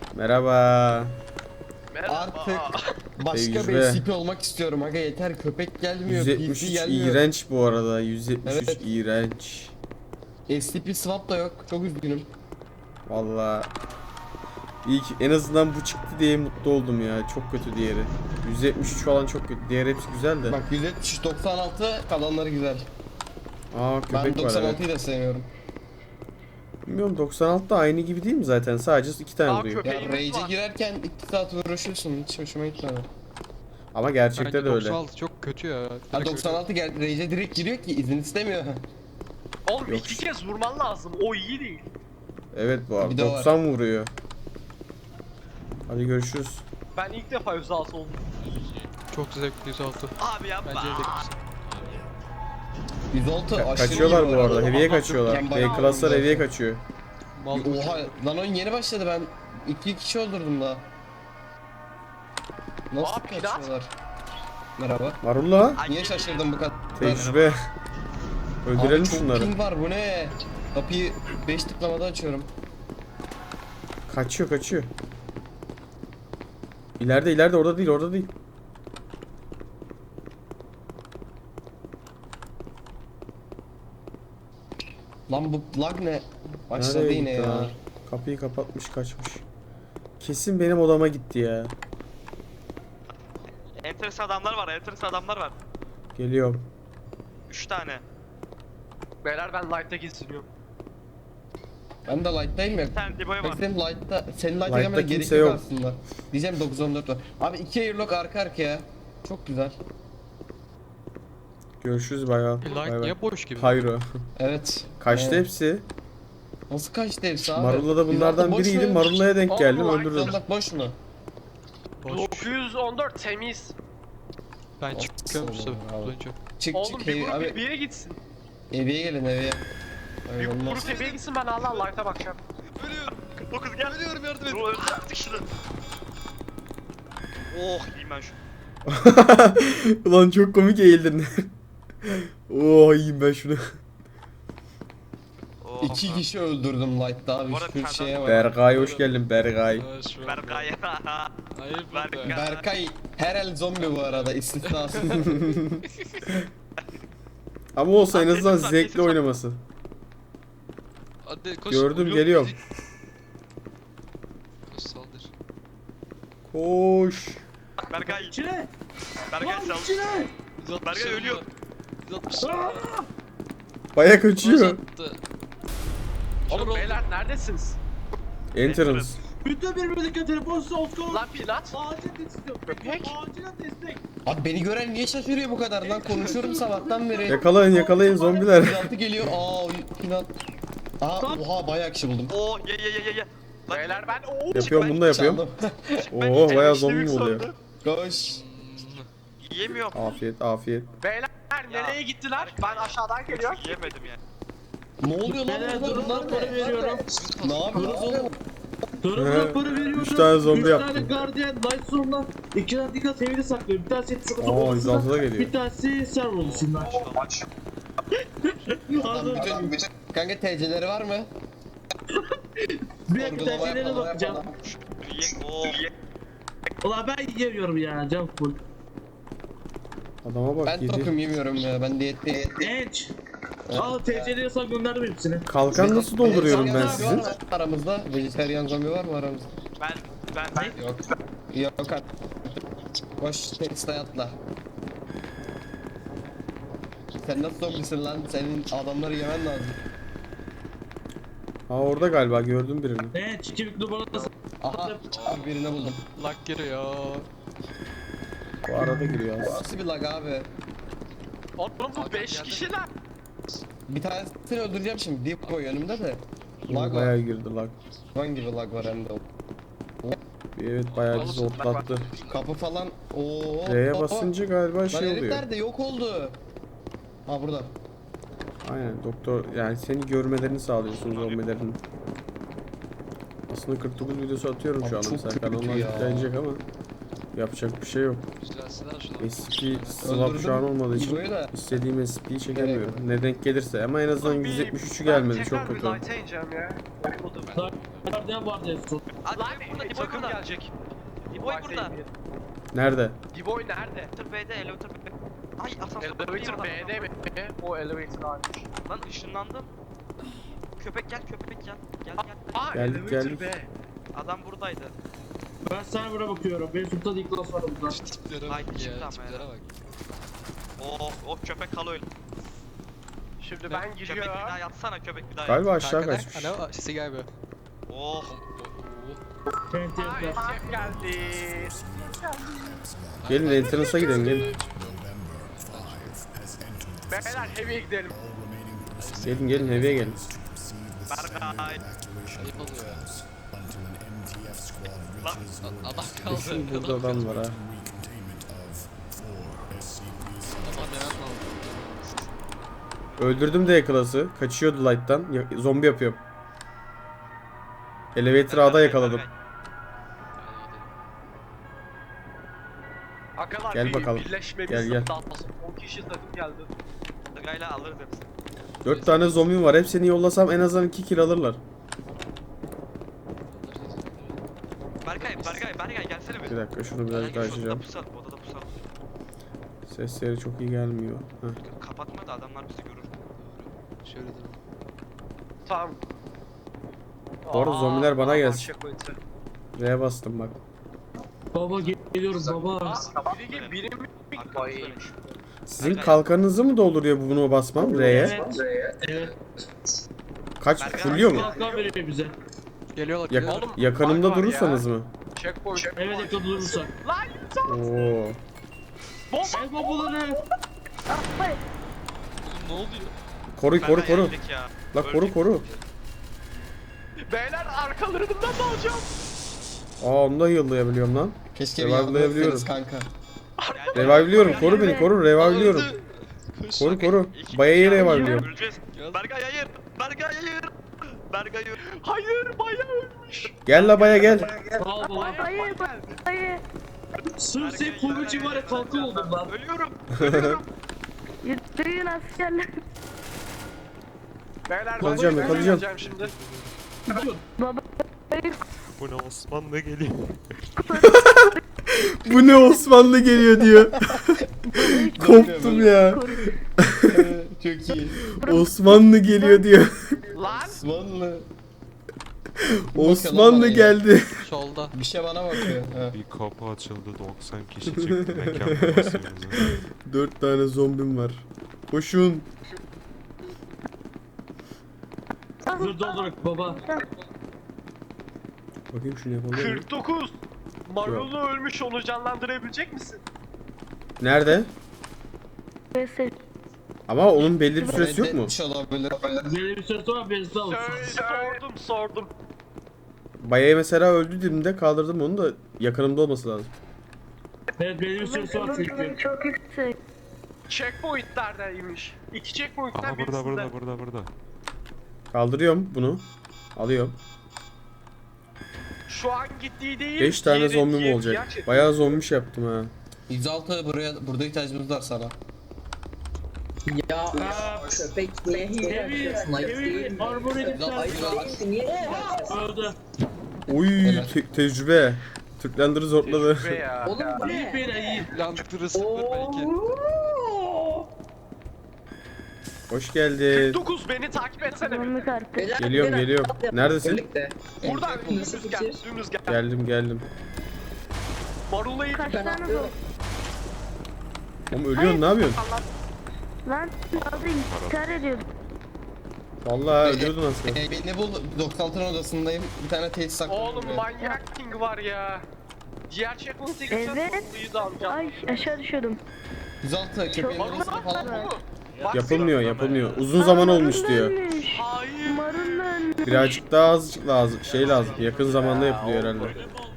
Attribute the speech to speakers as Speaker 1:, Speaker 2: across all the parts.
Speaker 1: Merhaba.
Speaker 2: Artık başka bir
Speaker 1: Tecrübe.
Speaker 2: SCP olmak istiyorum aga, yeter, köpek gelmiyor, PC
Speaker 1: 173
Speaker 2: gelmiyor.
Speaker 1: iğrenç bu arada. 173
Speaker 2: Evet.
Speaker 1: iğrenç.
Speaker 2: SCP swap da yok, çok üzgünüm.
Speaker 1: Vallahi iyi ki en azından bu çıktı diye mutlu oldum ya. Çok kötü diğeri. 173 falan çok kötü. Diğer hepsi güzel de.
Speaker 2: Bak 173, 96 kalanları güzel.
Speaker 1: Aa
Speaker 2: Ben
Speaker 1: köpek var evet.
Speaker 2: 96'yı da sevmiyorum.
Speaker 1: Bilmiyorum 96 da aynı gibi değil mi zaten? Sadece 2 tane
Speaker 3: Aa,
Speaker 1: vuruyor.
Speaker 3: köpek.
Speaker 2: Ya
Speaker 3: Köpeğimiz
Speaker 2: Rage'e
Speaker 3: var.
Speaker 2: girerken 2 saat uğraşıyorsun, hiç hoşuma gitmedi.
Speaker 1: Ama gerçekte
Speaker 4: Bence
Speaker 1: de öyle.
Speaker 4: 96 çok kötü ya.
Speaker 2: Ha
Speaker 4: Direkt
Speaker 2: 96 gel Rage'e direkt giriyor ki izin istemiyor.
Speaker 3: Oğlum
Speaker 1: Yok.
Speaker 3: 2 kez vurman lazım. O iyi değil.
Speaker 1: Evet bu arada.
Speaker 2: Bir de var.
Speaker 1: 90 vuruyor. Hadi görüşürüz.
Speaker 3: Ben ilk defa 106 oldum.
Speaker 4: öyle. Çok zevkli 106.
Speaker 3: Abi yapma.
Speaker 4: Bence zevklisin.
Speaker 2: 106 aşırı
Speaker 1: Kaçıyorlar
Speaker 2: iyi
Speaker 1: bu arada. Heavy'ye
Speaker 3: Allah
Speaker 1: kaçıyorlar.
Speaker 2: ben
Speaker 1: B
Speaker 2: bayağı
Speaker 1: klaslar
Speaker 2: aldım
Speaker 1: heavy'ye
Speaker 2: zaten.
Speaker 1: kaçıyor.
Speaker 4: Mal
Speaker 2: Oha lan, oyun yeni başladı, ben 2 kişi öldürdüm daha. Nasıl
Speaker 3: Aa, pirat.
Speaker 2: kaçıyorlar? Merhaba.
Speaker 1: Marulla.
Speaker 2: Niye şaşırdın bu kadar?
Speaker 1: Tecrübe. Öldürelim
Speaker 2: Abi çok
Speaker 1: şunları.
Speaker 2: ping var, bu ne? Kapıyı 5 tıklamada açıyorum.
Speaker 1: Kaçıyor. İleride orada değil.
Speaker 2: Lan bu lag ne? Başladı
Speaker 1: Nereye
Speaker 2: yine
Speaker 1: gitti
Speaker 2: ya.
Speaker 1: ha? Kapıyı kapatmış kaçmış. Kesin benim odama gitti ya.
Speaker 5: Enteresan adamlar var.
Speaker 1: Geliyorum.
Speaker 5: 3 tane.
Speaker 3: Beyler ben light'ta geziniyorum.
Speaker 2: Ben de light'tayım ya.
Speaker 5: Bir tane Dibo'ya var.
Speaker 2: Bak senin light'ta, senin light'a
Speaker 1: Light'ta
Speaker 2: gelmene gerek
Speaker 1: kimse
Speaker 2: yok
Speaker 1: yok.
Speaker 2: aslında. Diyeceğim 914 var. Abi 2 airlock arka arkaya. Çok güzel.
Speaker 1: Görüşürüz bayağı.
Speaker 4: Light niye boş gibi?
Speaker 1: Hayro.
Speaker 2: Evet.
Speaker 1: Kaçtı
Speaker 2: Evet.
Speaker 1: hepsi.
Speaker 2: Nasıl kaçtı hepsi abi?
Speaker 1: Marulla da bunlardan
Speaker 2: 106 boş
Speaker 1: biriydi.
Speaker 2: mu?
Speaker 1: Marulla'ya denk geldim
Speaker 3: Allah,
Speaker 1: öldürdüm.
Speaker 2: 114 boş mu?
Speaker 4: Boş.
Speaker 3: 914 temiz.
Speaker 4: Ben çıkıyorum
Speaker 2: Olsun
Speaker 4: size
Speaker 2: abi.
Speaker 4: bulunca.
Speaker 2: Çık
Speaker 3: Oğlum
Speaker 2: çık
Speaker 3: bir
Speaker 2: heavy.
Speaker 3: grup
Speaker 2: Abi
Speaker 3: bir yere gitsin.
Speaker 2: eviye gelin eviye.
Speaker 3: Bir
Speaker 2: Ay, olmaz.
Speaker 3: grup heavy'ye gitsin, ben hala light'a bakacağım.
Speaker 5: Ölüyorum. 49 gel. Ölüyorum, yardım et. Artık şunu. Oh, yiyeyim ben şu.
Speaker 1: Ulan çok komik eğildin. Oo yiyeyim ben şunu.
Speaker 5: Oh.
Speaker 2: 2 kişi öldürdüm light'ta abi.
Speaker 5: Bu arada
Speaker 2: Şu
Speaker 5: bir tane
Speaker 2: şeye bak.
Speaker 1: Berkay hoş geldin Berkay.
Speaker 5: Berkay.
Speaker 4: Hayır
Speaker 5: Berkay.
Speaker 4: be.
Speaker 2: Berkay her el zombi bu arada, istisnasız.
Speaker 1: Ama olsa en
Speaker 5: Lan
Speaker 1: azından
Speaker 5: kesin var,
Speaker 1: zevkli
Speaker 5: kesin var.
Speaker 1: oynaması.
Speaker 4: Hadi koş.
Speaker 1: Gördüm,
Speaker 4: Yok,
Speaker 1: geliyorum.
Speaker 4: Koş saldır.
Speaker 1: Koş.
Speaker 5: Berkay.
Speaker 6: İçine!
Speaker 5: Berkay
Speaker 6: Lan
Speaker 5: sal.
Speaker 6: içine!
Speaker 4: 160
Speaker 5: Berkay
Speaker 4: canım
Speaker 5: ölüyor.
Speaker 4: var. 160
Speaker 1: Baya kaçıyor.
Speaker 4: attı.
Speaker 3: Oğlum beyler neredesiniz?
Speaker 1: Entrance.
Speaker 6: Bütün birbirindeki telefon size olsun.
Speaker 3: Lan Pilat.
Speaker 6: Acil destek.
Speaker 3: Köpek.
Speaker 6: Acilen destek.
Speaker 2: Abi beni gören niye şaşırıyor bu kadar lan? Konuşuyorum sabahtan beri.
Speaker 1: Yakalayın zombiler.
Speaker 2: 106 geliyor. Aa Pinat. Aa oha bayağı kişi buldum.
Speaker 5: Oh, ye. Lan,
Speaker 3: Beyler ben
Speaker 1: Yapıyorum bunu da yapıyorum.
Speaker 2: Çaldım.
Speaker 5: ben
Speaker 1: Oo bayağı
Speaker 5: işte
Speaker 1: zombi
Speaker 5: büyük
Speaker 1: mi oluyor?
Speaker 5: sandım.
Speaker 2: Koş.
Speaker 5: Yiyemiyorum.
Speaker 1: Afiyet.
Speaker 3: Beyler nereye gittiler? Ben aşağıdan geliyorum.
Speaker 5: Yiyemedim yani.
Speaker 2: Ne oluyor lan
Speaker 6: Beyler,
Speaker 2: burada?
Speaker 6: durun,
Speaker 2: Bunlar
Speaker 6: para
Speaker 2: ne?
Speaker 6: veriyorum.
Speaker 2: Ne yapıyoruz oğlum?
Speaker 6: Durumda
Speaker 1: He,
Speaker 6: para veriyorum.
Speaker 1: 3 tane zombi
Speaker 6: 3
Speaker 1: yaptım.
Speaker 6: tane Guardian Light Zone'da 2 dakika seviyede saklıyorum. Bir tanesi sıkıntı
Speaker 1: Aa,
Speaker 6: odasında,
Speaker 1: 106'da geliyor.
Speaker 6: bir tanesi server odasında. Hazır.
Speaker 2: Bütün kanka TC'leri var mı?
Speaker 6: Bir dakika
Speaker 2: Sorgulama
Speaker 6: tercihlere
Speaker 2: yapalım,
Speaker 6: bakacağım.
Speaker 2: yapalım.
Speaker 5: Oh.
Speaker 6: Ulan ben yiyemiyorum ya, can full.
Speaker 1: Adama bak
Speaker 2: Ben
Speaker 1: yedi.
Speaker 2: tokum yemiyorum ya. Ben diyetteyim.
Speaker 6: Genç. Al TC'leri sana gönderdim hepsini.
Speaker 1: Kalkan nasıl dolduruyorum ben
Speaker 2: Vejetaryen
Speaker 1: sizin?
Speaker 2: var mı aramızda? Vejetaryen zombi var mı aramızda?
Speaker 5: Ben
Speaker 2: Yok. Yok artık. Koş Tesla'ya atla. Sen nasıl zombisin lan? Senin adamları yemen lazım.
Speaker 1: Ha orada galiba gördüm birini.
Speaker 6: Genç. Kimlik numarası.
Speaker 2: Aha abi birini buldum.
Speaker 4: Lag giriyor.
Speaker 1: Bu arada giriyor az.
Speaker 2: Nasıl bir lag abi?
Speaker 3: Oğlum bu
Speaker 4: Hakan
Speaker 3: 5
Speaker 4: geldi.
Speaker 3: kişiler.
Speaker 2: Bir tanesini öldüreceğim şimdi. Deep koy önümde de. Lag
Speaker 1: Bayağı
Speaker 2: var.
Speaker 1: girdi lag.
Speaker 2: Hayvan gibi lag var hem de.
Speaker 1: Evet bayağı bizi zortlattı.
Speaker 2: Kapı falan. Oo.
Speaker 1: R'ye basınca galiba
Speaker 2: Lan
Speaker 1: şey
Speaker 2: herif
Speaker 1: oluyor.
Speaker 2: nerede? Yok oldu. Ha burada.
Speaker 1: Aynen doktor yani seni görmelerini sağlıyorsun zombilerin. Aslında 49 videosu atıyorum şu
Speaker 2: Abi
Speaker 1: anda
Speaker 2: çok
Speaker 1: mesela
Speaker 2: kötü
Speaker 1: kanalına
Speaker 2: ya.
Speaker 1: yüklenecek ama yapacak bir şey yok.
Speaker 4: Güzelsinler şuna.
Speaker 1: SP swap şu an olmadığı için
Speaker 2: İbo'yu da.
Speaker 1: istediğim SP'yi çekemiyorum. Ne denk gelirse ama en azından 173'ü gelmedi çok kötü.
Speaker 3: Light'a ineceğim ya.
Speaker 6: Guardian ne vardı en son?
Speaker 5: Hadi
Speaker 3: Lan
Speaker 5: burada,
Speaker 3: bir
Speaker 5: Diboy
Speaker 3: takım
Speaker 5: burada.
Speaker 3: gelecek.
Speaker 5: Diboy burada.
Speaker 1: Nerede?
Speaker 3: Diboy nerede?
Speaker 5: Elevator B'de, Elevator B'de. Ay asansör
Speaker 3: Elevator B'de mi? O elevator abi.
Speaker 5: Lan ışınlandım. Köpek gel, köpek gel. Gel gel.
Speaker 3: Aa
Speaker 1: Geldik,
Speaker 3: elevator
Speaker 1: geldik.
Speaker 3: B.
Speaker 5: Adam buradaydı.
Speaker 6: Ben server'a bakıyorum. Benim Sultan İklas var burada.
Speaker 4: Şu tiplere
Speaker 5: Haydi
Speaker 4: bak
Speaker 5: çıktı
Speaker 4: ya,
Speaker 5: ama
Speaker 4: tiplere
Speaker 5: ya.
Speaker 4: bak.
Speaker 5: Oh köpek kal öyle.
Speaker 3: Şimdi ben
Speaker 5: Köpek bir
Speaker 3: giriyorum.
Speaker 5: daha yatsana, köpek bir daha yat.
Speaker 1: Galiba aşağı
Speaker 4: Kanka,
Speaker 1: kaçmış.
Speaker 4: ne o? Sesi galiba.
Speaker 5: Oh.
Speaker 6: TNT yaplar.
Speaker 3: Ay şef geldi.
Speaker 1: Gelin entrance'a gidelim gelin.
Speaker 3: Beyler heavy'e gidelim.
Speaker 1: Gelin heavy'e gelin.
Speaker 5: Berkay.
Speaker 4: Ayıp oluyor ya.
Speaker 5: Lan.
Speaker 4: Adam
Speaker 1: Kesin
Speaker 4: kaldı.
Speaker 1: burada adam var ha.
Speaker 4: Aman demem lazım.
Speaker 1: Öldürdüm de yakalası. Kaçıyordu light'tan. Zombi yapıyorum. Elevator A'da yakaladım.
Speaker 5: Berkay.
Speaker 3: Akalar
Speaker 1: Gel
Speaker 3: bir
Speaker 1: bakalım.
Speaker 3: birleşmemiz
Speaker 1: Gel, gel.
Speaker 3: lazım. 10 kişi takım geldi.
Speaker 5: Berkay'la alırız hepsini.
Speaker 1: 4 tane zombi var. Hepsini yollasam en azından 2 kill alırlar.
Speaker 5: Berkay gelsene bir.
Speaker 1: Bir dakika şunu birazcık daha
Speaker 5: Odada
Speaker 1: açacağım.
Speaker 5: pusalım, odada pusalım.
Speaker 1: Sesleri çok iyi gelmiyor. Heh.
Speaker 5: Kapatma da adamlar bizi görür.
Speaker 4: Şöyle dur.
Speaker 3: Tamam.
Speaker 1: Bu arada zombiler bana gelsin.
Speaker 3: şef ötesi.
Speaker 1: R'ye bastım bak.
Speaker 6: Baba geliyorum baba.
Speaker 3: Biri mi?
Speaker 5: Arkamızdaymış.
Speaker 1: Sizin kalkanınızı mı dolduruyor bunu basmam R'ye?
Speaker 6: Evet. Evet.
Speaker 1: Kaç
Speaker 5: Berkay,
Speaker 1: fulluyor mu?
Speaker 6: Kalkan veriyor bize.
Speaker 4: Geliyorlar,
Speaker 1: Yak-
Speaker 4: geliyorlar.
Speaker 3: Oğlum,
Speaker 1: yakınımda
Speaker 3: bug var
Speaker 1: durursanız mı?
Speaker 3: Checkpoint.
Speaker 6: Evet yakın durursak.
Speaker 3: Lan
Speaker 1: Oo.
Speaker 6: El babaları.
Speaker 4: Oğlum ne oluyor?
Speaker 1: Koru koru
Speaker 5: Berkay
Speaker 1: koru.
Speaker 5: yendik ya.
Speaker 1: La koru koru.
Speaker 3: beyler arkalarından da alacağım.
Speaker 1: Aa onu da heal'layabiliyorum lan.
Speaker 2: Keşke bir
Speaker 1: Revive'layabiliyorum.
Speaker 2: yardım etseniz kanka.
Speaker 1: Revive'liyorum. Koru beni koru. Revive'liyorum.
Speaker 4: Koş.
Speaker 1: Koru koru. Bayayı revive'liyorum.
Speaker 5: Öleceğiz.
Speaker 4: Gel.
Speaker 5: Berkay hayır. Berkay hayır. Berkay hayır.
Speaker 3: Hayır bayağı ölmüş.
Speaker 1: Gel la baya gel.
Speaker 6: Sağ ol baba.
Speaker 3: Hayır.
Speaker 6: Sırf senin kolu için var ya kalkan oldum lan.
Speaker 5: Ölüyorum.
Speaker 7: Yürüyün askerler.
Speaker 3: Beyler
Speaker 1: Yakalayacağım,
Speaker 3: ben
Speaker 1: yakalayacağım.
Speaker 3: geleceğim şimdi.
Speaker 7: Baba.
Speaker 8: Bu ne Osmanlı geliyor.
Speaker 1: Bu ne Osmanlı geliyor diyor. Koptum ya.
Speaker 2: Çok iyi.
Speaker 1: Osmanlı geliyor diyor.
Speaker 3: Lan
Speaker 2: Osmanlı.
Speaker 1: Osmanlı geldi.
Speaker 4: Solda.
Speaker 2: Bir şey bana bakıyor. Ha.
Speaker 8: Bir kapı açıldı 90 kişi çıktı mekan basıyoruz.
Speaker 1: 4 tane zombim var. Koşun.
Speaker 6: Dur doldurak baba.
Speaker 1: Bakayım şunu yapalım.
Speaker 3: 49. Marulu ölmüş, onu canlandırabilecek misin?
Speaker 1: Nerede?
Speaker 7: Neyse.
Speaker 1: Ama onun belli bir süresi yok mu?
Speaker 2: Reddetmiş olabilir.
Speaker 6: Benim bir söz var beni sağ olsun.
Speaker 3: Sordum.
Speaker 1: Baya'ya mesela öldü dediğimde kaldırdım onu da yakınımda olması lazım.
Speaker 6: Evet benim bir söz var çünkü.
Speaker 7: Çok yüksek.
Speaker 3: Checkpoint neredeymiş? İki checkpoint'ten
Speaker 8: Aha
Speaker 3: birisinde.
Speaker 8: burada.
Speaker 1: Kaldırıyorum bunu. Alıyorum.
Speaker 3: Şu an gittiği değil.
Speaker 1: 5 tane
Speaker 3: diğeri-
Speaker 1: zombim
Speaker 3: diğer
Speaker 1: olacak.
Speaker 3: checkpoint.
Speaker 1: Bayağı zombiş yaptım ha.
Speaker 2: 106 burada ihtiyacımız var sana.
Speaker 6: Ya evi armor edip öldü.
Speaker 1: Oy tecrübe. Türklendir'i zorladı.
Speaker 3: Tecrübe ya.
Speaker 6: İyi beyler iyi.
Speaker 4: Landıktırırsındır belki.
Speaker 1: Hoş geldin.
Speaker 3: 49 beni takip etsene.
Speaker 7: Zombi kartı.
Speaker 1: Geliyorum. Neredesin?
Speaker 3: Buradan dümdüz gel. Dümdüz gel.
Speaker 1: Geldim.
Speaker 3: Marula'yı
Speaker 7: Kaç tane zombi?
Speaker 1: Oğlum ölüyorsun ne yapıyorsun?
Speaker 7: Lan aldı intihar ediyordum.
Speaker 1: Vallahi ölüyordun aslında.
Speaker 2: Beni bul 96'ın odasındayım. Bir tane tesis saklıyorum.
Speaker 3: Oğlum manyak king var ya. Diğer checkpoint'e gideceğiz.
Speaker 7: Evet.
Speaker 3: Marula'yı da alacağım.
Speaker 7: Ay aşağı düşüyordum.
Speaker 2: 106 köpeğin
Speaker 7: Çok-
Speaker 2: odasında falan mı?
Speaker 1: Yapılmıyor. Uzun zaman olmuş diyor.
Speaker 3: Hayır.
Speaker 7: Marul ölmüş.
Speaker 1: Birazcık daha azıcık lazım. Şey lazım. Yakın zamanda yapılıyor herhalde.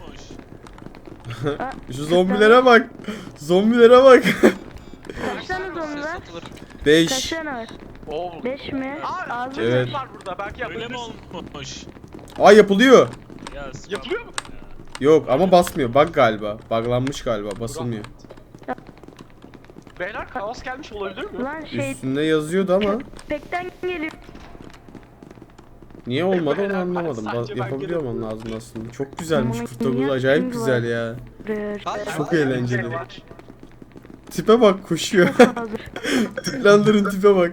Speaker 1: Şu zombilere bak. Zombilere bak.
Speaker 7: Kaç tane zombi var?
Speaker 4: Satılır.
Speaker 7: Kaç
Speaker 1: 5.
Speaker 7: tane var?
Speaker 3: Oğlum.
Speaker 7: 5 mi?
Speaker 3: Aa,
Speaker 7: Ağzı
Speaker 1: Evet.
Speaker 3: var burada. Belki yapabilirsin.
Speaker 1: Aa yapılıyor.
Speaker 3: Yapılıyor mu?
Speaker 1: Yok ama basmıyor. Bug galiba. Buglanmış galiba. Basılmıyor.
Speaker 3: Beyler kaos gelmiş olabilir mi?
Speaker 7: Lan şey
Speaker 1: Üstünde yazıyordu ama.
Speaker 7: köpekten geliyor.
Speaker 1: Niye olmadı onu anlamadım.
Speaker 3: Sadece ben
Speaker 1: Yapabiliyor olmam lazım aslında. Çok güzelmiş
Speaker 7: Manyak
Speaker 1: 49, acayip güzel ya.
Speaker 4: Hayır,
Speaker 1: Çok
Speaker 4: hayır.
Speaker 1: eğlenceli. Tipe bak, koşuyor.
Speaker 7: Hazır.
Speaker 1: Tıklandırın tipe bak.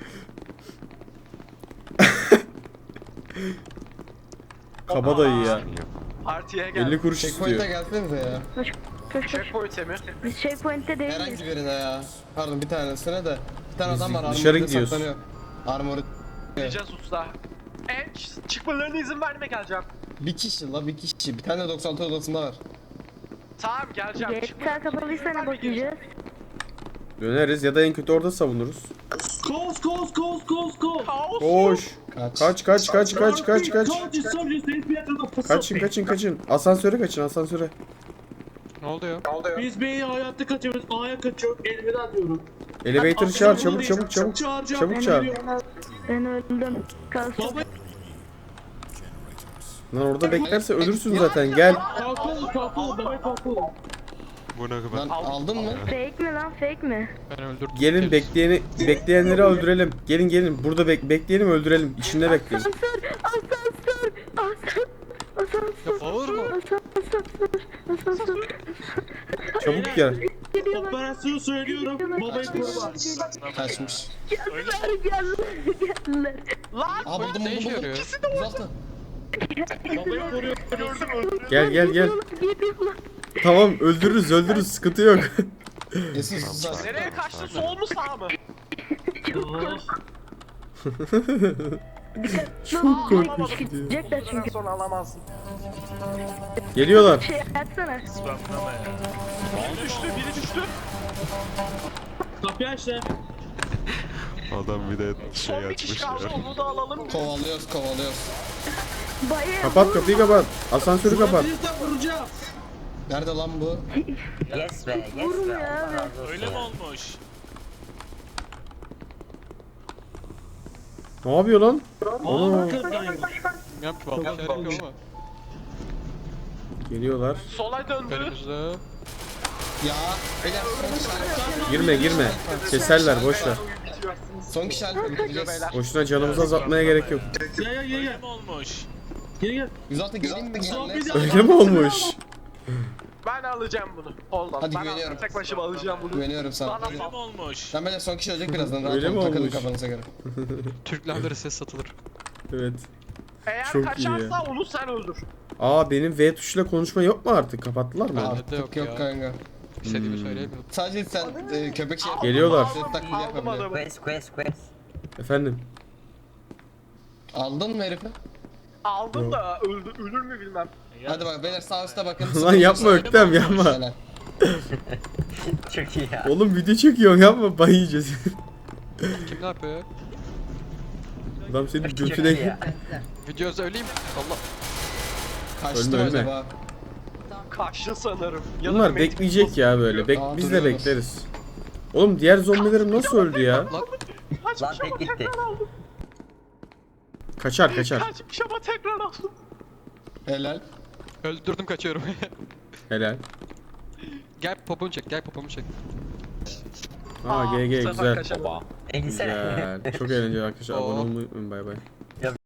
Speaker 1: Kabadayı ya.
Speaker 3: Partiye gel.
Speaker 1: 50 kuruş
Speaker 2: Checkpoint'e
Speaker 1: istiyor.
Speaker 2: gelsenize ya.
Speaker 7: Koş koş.
Speaker 3: Checkpoint'e mi?
Speaker 7: Biz checkpoint'te değiliz.
Speaker 2: Herhangi birine ya. Pardon bir tanesine de. Bir tane adam var
Speaker 1: dışarı
Speaker 2: armor'da
Speaker 1: gidiyoruz.
Speaker 2: saklanıyor. Armor'u.
Speaker 3: Gideceğiz usta. Çıkmalarına izin verme geleceğim.
Speaker 2: Bir kişi la bir kişi. Bir tane 96 odasında var.
Speaker 3: Tamam geleceğim.
Speaker 7: GTA kapalıysa ne bakacağız?
Speaker 1: Döneriz ya da en kötü orada savunuruz.
Speaker 6: Koş koş koş koş koş.
Speaker 3: Kaos.
Speaker 1: Koş.
Speaker 2: Kaç.
Speaker 1: Kaç.
Speaker 6: Kaçın.
Speaker 1: Kaçın. Asansöre kaçın, asansöre.
Speaker 4: Ne oldu ya?
Speaker 6: Biz B'yi hayatta kaçıyoruz. A'ya kaçıyor. Elveda diyorum.
Speaker 1: Elevator'ı çağır, çabuk. Çabuk çağır.
Speaker 7: Ben öldüm. Kalsın.
Speaker 6: Baba
Speaker 1: Lan orada beklerse ölürsün zaten, gel.
Speaker 6: kalkın. Baba kalkın.
Speaker 8: Bu ne
Speaker 2: Lan
Speaker 8: kadar?
Speaker 2: aldın mı?
Speaker 7: Fake mi lan fake mi?
Speaker 4: Ben öldürdüm.
Speaker 1: Gelin bekleyenleri öldürelim. Gelin burada bekleyelim, öldürelim. İçinde bekleyin.
Speaker 7: Asansör.
Speaker 4: Ya bağırma.
Speaker 7: Asansör.
Speaker 1: Çabuk gel.
Speaker 7: Geliyorlar.
Speaker 6: Operasyonu söylüyorum. Babayı koruma.
Speaker 2: Kaçmış.
Speaker 7: Geldiler.
Speaker 3: Lan
Speaker 2: Aa buldum
Speaker 4: Ne işe yarıyor?
Speaker 2: Uzakta.
Speaker 6: Babayı koruyor.
Speaker 1: Gel.
Speaker 7: Geliyorlar.
Speaker 1: Tamam, öldürürüz, sıkıntı yok.
Speaker 2: Yesin sus.
Speaker 3: nereye kaçtın? Sol mu sağ mı?
Speaker 1: Çok korkunç diyor.
Speaker 7: Gidecekler çünkü.
Speaker 3: Sonra alamazsın.
Speaker 1: Geliyorlar.
Speaker 7: Şey açsana.
Speaker 3: Biri düştü.
Speaker 6: Kapıyı aç lan.
Speaker 8: Adam bir de şey
Speaker 3: Son bir kişi
Speaker 8: açmış
Speaker 3: kaldı.
Speaker 8: ya.
Speaker 3: Onu da alalım.
Speaker 2: Kovalıyoruz.
Speaker 7: Bayağı.
Speaker 1: Kapat kapıyı, kapat. Asansörü kapat.
Speaker 6: Vurabilirsem vuracağım.
Speaker 2: Nerede lan bu?
Speaker 7: Vurmuyor abi.
Speaker 5: Öyle mi olmuş?
Speaker 1: Ne yapıyor lan?
Speaker 6: Aa kırdayım.
Speaker 4: Yap vallahi yapıyor ama.
Speaker 1: Geliyorlar.
Speaker 3: Sola döndü.
Speaker 4: Önümüzde.
Speaker 2: Ya. Beyler
Speaker 1: Girme. Keserler, boş ver.
Speaker 2: son kişi halde bitireceğiz.
Speaker 1: Boşuna canımızı azaltmaya gerek yok.
Speaker 6: Gel.
Speaker 5: Öyle mi olmuş?
Speaker 6: Gel.
Speaker 2: 106 geleyim mi
Speaker 6: Zombi
Speaker 2: gençler?
Speaker 6: de-
Speaker 1: Öyle mi olmuş?
Speaker 3: Ben alacağım bunu. Olmaz.
Speaker 2: Hadi
Speaker 3: Ben
Speaker 2: güveniyorum.
Speaker 3: tek başıma alacağım bunu.
Speaker 2: Güveniyorum sana.
Speaker 3: Bana
Speaker 5: Öyle
Speaker 3: sal.
Speaker 5: mi olmuş?
Speaker 2: Ben böyle son kişi ölecek birazdan. Rahat
Speaker 1: Öyle
Speaker 2: olun,
Speaker 1: mi
Speaker 2: takılın
Speaker 1: olmuş?
Speaker 2: kafanıza göre.
Speaker 4: Türklerle ses satılır.
Speaker 1: Evet.
Speaker 3: Eğer
Speaker 1: Çok iyi
Speaker 3: kaçarsa onu sen öldür.
Speaker 1: Aa, benim V tuşuyla konuşma yok mu artık? Kapattılar mı?
Speaker 4: Bende de
Speaker 2: Artık
Speaker 4: yok
Speaker 2: yok
Speaker 4: ya.
Speaker 2: kanka.
Speaker 4: İstediğimi söyleyemiyorum.
Speaker 2: Sadece sen köpek şey yap.
Speaker 1: Geliyorlar.
Speaker 2: Ses taklidi
Speaker 3: Aldım
Speaker 2: yapabiliyor.
Speaker 3: adamı.
Speaker 1: Efendim.
Speaker 2: Aldın mı herifi?
Speaker 3: Aldım da ölür mü bilmem.
Speaker 2: Hadi bak beyler sağ üstte bakın.
Speaker 1: Lan yapma Öktem, yapma.
Speaker 2: Helal.
Speaker 1: Oğlum video çekiyorsun, yapma, bay yiyeceğiz.
Speaker 4: Kim ne yapıyor ya?
Speaker 1: Adam senin götüne...
Speaker 4: Video söyleyeyim. Allah.
Speaker 2: Kaçtı
Speaker 1: Ölme,
Speaker 2: mı
Speaker 1: ölme.
Speaker 2: acaba?
Speaker 3: Kaçtı sanırım.
Speaker 1: Bunlar bekleyecek ya böyle.
Speaker 2: Aa,
Speaker 1: Biz de
Speaker 2: duruyorlar.
Speaker 1: bekleriz. Oğlum diğer zombilerim nasıl öldü ya?
Speaker 4: Lan
Speaker 3: Kaçmış ama tekrar aldım.
Speaker 1: Kaçar.
Speaker 3: Kaçmış ama tekrar aldım.
Speaker 2: Helal.
Speaker 4: öldürdüm kaçıyorum.
Speaker 1: Helal.
Speaker 4: Gel popomu çek, gel popomu çek.
Speaker 1: Aa, GG,
Speaker 3: bu sefer
Speaker 1: güzel.
Speaker 3: kaçamadım.
Speaker 1: Güzel. Çok eğlenceli arkadaşlar. Abone olmayı unutmayın. Bay bay.